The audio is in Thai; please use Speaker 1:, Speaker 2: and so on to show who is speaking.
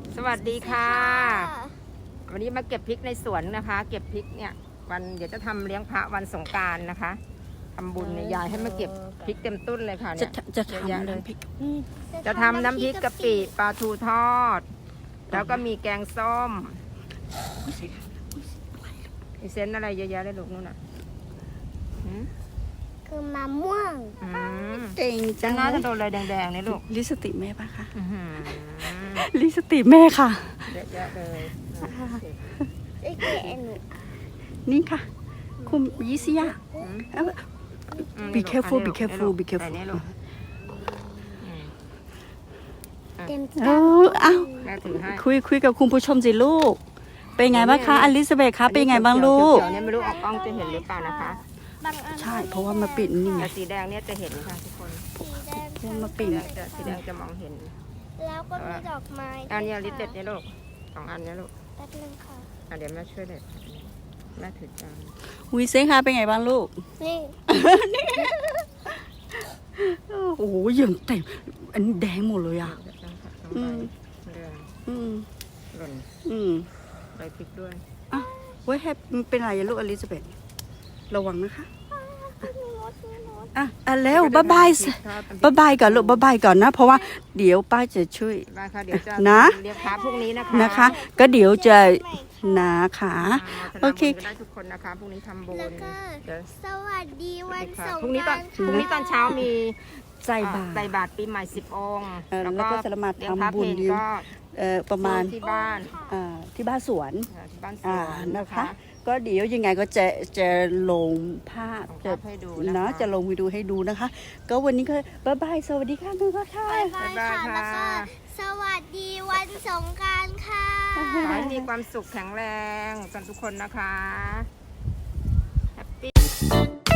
Speaker 1: สวัสดีค่ะ วันนี้มาเก็บพริกในสวนนะคะ เก็บพริกเนี่ยวันเดี๋ยวจะทำเลี้ยงพระวันสงกรานต์นะคะทำบุญเนี่ยยายให้มาเก็บพริกเต็มต้นเลยค่ะเนี่ย
Speaker 2: จะทำ
Speaker 1: เยอะเลย
Speaker 2: น้ำพริก
Speaker 1: จะทำน้ำพริกกะปิปลาทูทอด แล้วก็มีแกงส้มมีเส้นอะไรเยอะแยะเลยลูกนู่นน่ะ
Speaker 3: คือมะม่วง
Speaker 2: เก่งจั
Speaker 1: จะ
Speaker 2: ง
Speaker 1: น่าจะโดนอะไรแดงๆนี่ลูก
Speaker 2: ลิปสติกแม่ปะคะ
Speaker 1: อื้อหือ
Speaker 2: ลิปสติกแม่ค่ะ
Speaker 1: เยอะแยะเลย
Speaker 3: ไอ้เก๋หนู
Speaker 2: นี่ค่ะ คุณยิสยา Be careful, be
Speaker 1: อันนี้
Speaker 2: careful,
Speaker 1: ลูก
Speaker 2: be careful
Speaker 1: อันนี้ลูก
Speaker 3: เต็ม
Speaker 2: เอออ้าว
Speaker 1: แม่ถือให้
Speaker 2: คุยกับคุณผู้ชมสิลูก เป็นไงบ้างคะอลิซาเบธคะเป็นไงบ้างลูก
Speaker 1: เขียวๆเนี่ยไม่รู้ออกกล้องจะเห็นหรือเปล่านะคะ
Speaker 3: บางอัน
Speaker 2: ใช่เพราะว่ามาปิดนี่ไง
Speaker 1: แต่สีแดงเนี่ยจะเห็นค่ะทุกคน
Speaker 3: สีแดง
Speaker 2: เพราะมาปิด
Speaker 1: สีแดงจะมองเห็น
Speaker 3: แล้วก็มีดอกไม้
Speaker 1: อันนี้ลิปเด็ดเนี่ยลูก2 อันเนี่ยลูก
Speaker 3: แป๊บนึงค่ะ
Speaker 1: เดี๋ยวแม่ช่วยเด็ดแม่ถือจาน
Speaker 2: วิเซคะเป็นไงบ้างลูก
Speaker 3: นี่
Speaker 2: โอ้โหยังเต็มอันนี้แดงหมดเลยอ่ะ
Speaker 1: อืมเรือง
Speaker 2: อืม
Speaker 1: หล่น
Speaker 2: อืม
Speaker 1: ใบพริกด้วย
Speaker 2: เว้ยแฮปมันเป็นไรอะลูกอลิซาเบธระวังนะคะอ่ะแล้วบ๊ายบายก่อนลูกบ๊ายบายก่อนนะ เพราะว่าเดี๋ยวป้าจะช่วย
Speaker 1: ได้ค่ะเดี๋ยวจะ
Speaker 2: นะ
Speaker 1: เรียกพระพรุ่งนี้นะคะ
Speaker 2: นะคะ ก็เดี๋ยวจะนะคะ โอเค
Speaker 1: ก็ได้ทุกคนนะคะพรุ่งนี้ทำบุญ
Speaker 3: แล้วก็
Speaker 1: เดี๋ยว
Speaker 3: สวัสดีวันสง
Speaker 1: พรุ่งนี้
Speaker 3: ก
Speaker 1: ตอ
Speaker 3: ราน นต์
Speaker 1: พรุ่งนี้ตอนเช้ามี
Speaker 2: ใส่บาตร
Speaker 1: ใส่บาตรปีใหม่10 องค์
Speaker 2: แล้วก็จะมา
Speaker 1: เลี้ยงพระ
Speaker 2: ทำบุญ
Speaker 1: เพลก็
Speaker 2: ประมาณ
Speaker 1: ที่บ้าน
Speaker 2: ที่บ้านสวน
Speaker 1: ที่บ้านสวน
Speaker 2: นะคะ ก็เดี๋ยวยังไงก็จะลงภาพ
Speaker 1: จะให้ดูนะคะ
Speaker 2: นะจะลงวิดีโอให้ดูนะคะ ก็วันนี้ก็บ๊ายบายสวัสดีค่ะทุกคนค่ะ
Speaker 3: บ๊ายบายค่ะ
Speaker 1: บ๊ายบาย
Speaker 3: แล้วก็
Speaker 1: ค่ะ
Speaker 3: สวัสดีวันสงกรานต์ค่ะ
Speaker 1: ขอให้มีความสุขแข็งแรงกันทุกคนนะคะแฮปปี้